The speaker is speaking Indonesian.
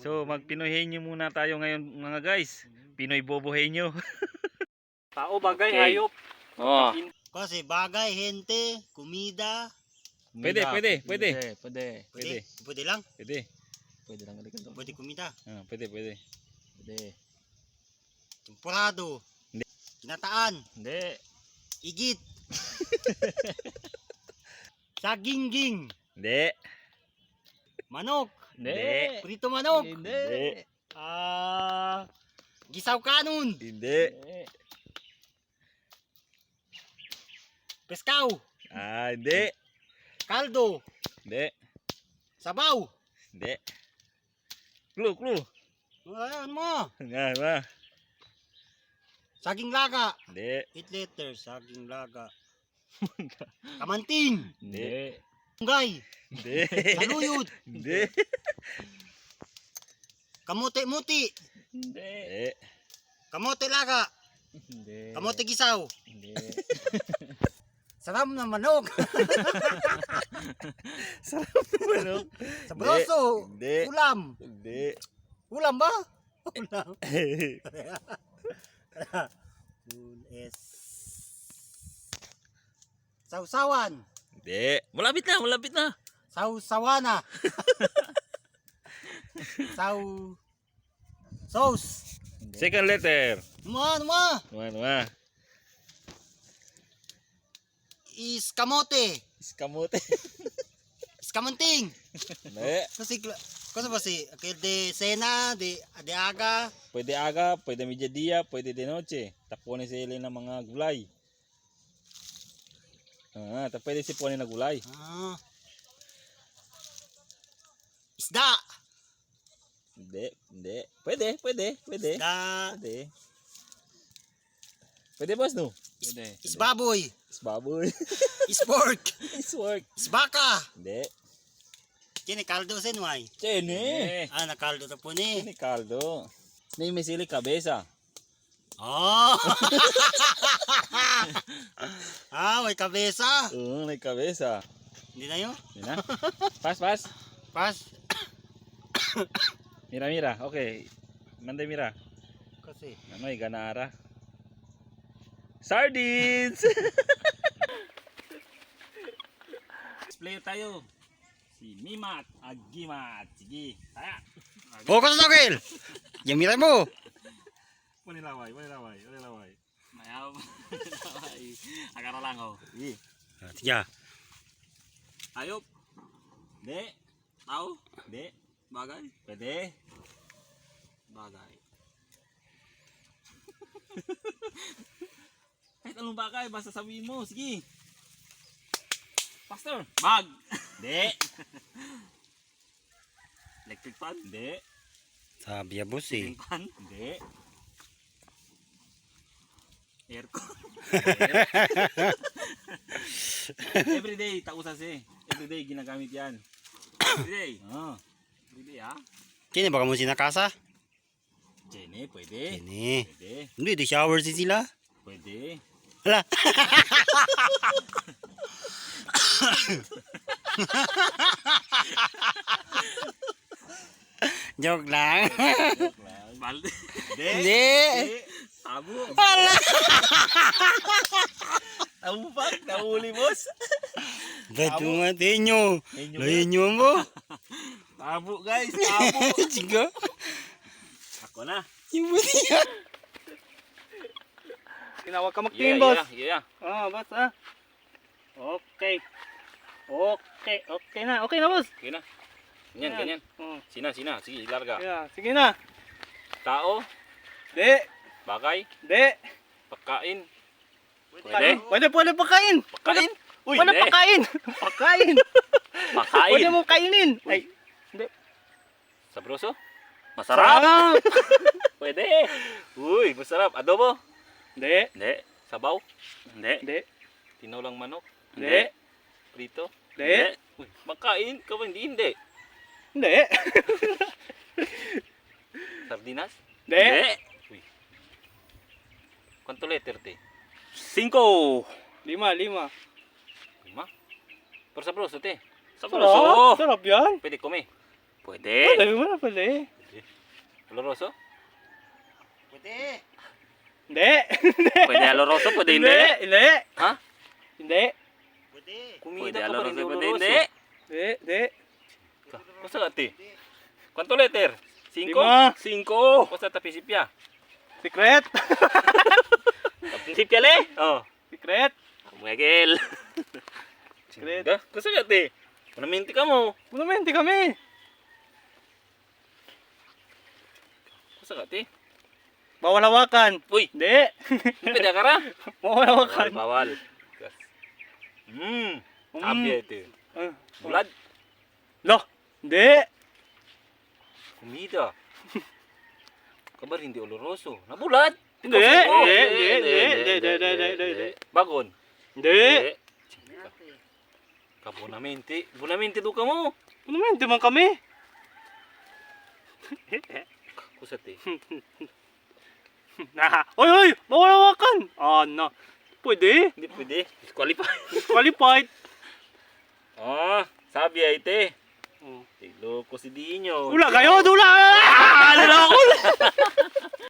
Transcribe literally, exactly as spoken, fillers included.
So mag-Pinoy Henyo muna tayo ngayon mga guys. Pinoy Bobo Henyo. Tao, bagay, Okay. hayop. Oh. Kasi bagay, hente, kumida. Pwede, pwede, pwede. Pwede, pwede. Pwede, pwede lang. Pwede. Pwede lang ganito. Pwede kumida. Ah, pwede, pwede. Pwede. Tempurado. Hindi. Kinataan. Hindi. Igit. Sagingging. Hindi. Manok. Hindi. Prito manok. Hindi. Hindi. Ah, gisaw kanon. Hindi. Hindi. Peskaw. Ah, hindi. Kaldo. Hindi. Sabaw. Hindi. Clue, clue. Ayan mo. Nga, ba? Saging laga. Hindi. Eight letters. Saging laga. Kamanting. Hindi. Tunggay. Hindi. Saluyot. Hindi. Kamote-muti. Hindi. Hindi. Kamote laga. Hindi. Kamote gisaw. Hindi. Salam na manok. Sarap naman, no? Sabroso. Hindi. Ulam. Hindi. Ulam ba? Ulam. S. Sausawan. Hindi. Malapit na, malapit na. Sausawana. Sau. Sauce. Second letter. Ano ma? Ano, ano? Is kamote. Iskamote. Iskamanting. Hindi. Kasi kasi ba si okay, de sena de de aga. Pwede aga, pwede mediodía, pwede de noche. Taponin sila ng mga gulay. Ah, ta pwede siponin na gulay. Ah. Isda. Hindi, hindi. Pwede, pwede, pwede. Isda. Pwede. Pwede boss no? Pwede. Isbaboy. Isbaboy. Ispork. Iswork. Isbaka. Hindi. Kini kaldo senway. Chene. Ah, nakaldo ta po ni. Ini caldo. Ni may sili kabesa. Oh. Ah, may kabesa. Oo, may kabesa. Hindi na yun. Hindi na. Pas, pas. Pas. Mira, mira. Okay. Manda mira. Kasi. Ano ay ganara? Sardines! Display tayo. Si Mimat Agimat. Sige. Taya. Focus na Gil. Yamira mo. Panilaway, panilaway, panilaway. Mayaw. Agara lang oh. Sige. Tiga. Hayop. Hindi. Tao. Hindi. Bagay. Pwede. Bagay. Kahit anong bagay, basta sabihin mo. Sige. Pastor. Bag. Hindi. Electric fan. Hindi. Sabi ya boss eh. Fan. Hindi. Aircon. Everyday, tausan si. Everyday, ginagamit yan. Everyday. Ah. Everyday ha. Kini baka mo sinakasa? Jenny, pwede. Kini. Pwede. Hindi di shower si sila. Pwede. Hala. Joke lang. Balde. Hindi. Tabo. Hala. Tabo pa, nahuli boss. Ba't mo nga tinyo? Henyo. Lahinyo mo. Tabo guys, tabo. Sige. Ako na. Yung buti yan. Tinawag ka Yeah, mag-team, boss. yeah, yeah. Ah, boss ah. Okay. Okay, okay na. Okay na, boss. Okay na. Ganyan, ganyan. Oh, Sina, sina. Sige, larga. yeah. Sige na. Tao, De. bagay, De. pagkain. Pwede? Pwede, pwede pagkain. Pagkain? Uy, Pwede hindi. pagkain. Pagkain. Pagkain. Pwede mo kainin. Ay. Sabroso? Masarap. Sarap. Pwede. Uy, masarap. Adobo? De. Hindi. Sabaw? Hindi. De. Tinulang manok? Hindi. Prito? De. Uy, makain ka ba? Hindi, hindi. Hindi. Sardinas? De. Uy. Quanto letter te? Cinco. Lima, lima. Lima? Pero sabroso te. Sarap. Sabroso. Sarap yan. Pwede kome. Pwede. Pwede mo na, pwede. Pwede. Oloroso? Pwede. Hindi. Pwede oloroso, pwede hindi. Hindi. Ha? Hindi. Pwede. Kumida Pwede ka pa rin, oloroso, pwede pwede hindi. Hindi. Hindi. Basta ka, ti? Quanto letter? Cinco? Lima. Cinco. Basta tapisipya. Secret. Tapisipya le? Oh. Secret. Miguel. Secret. Ga, basta ka, ti? Panaminti ka mo. Monumenti kami. Basta ka, ti? Bawal hawakan. Uy, Hindi. pwede ka ra? Bawal hawakan. Bawal. Hmm. Mm. Abya ito. Ah. Bulad. Lo. Hindi. Kumida. Kabar hindi oloroso. Nabulad. Hindi. Oh, Hindi. Hindi. Hindi. Hindi. Hindi. Hindi. Hindi. Hindi. Bagon. Hindi. Kabunamenti. Bunamenti do ka mo. Monumenti man kami. Kusati. Nah. Oy, oy. Bawal hawakan. Ah, na. Pwede. Hindi pwede. Disqualify. Qualified. Ah, sabi ay te. Oh. Loko si Dinyo. Dula kayo, dula! Ah, dula ako!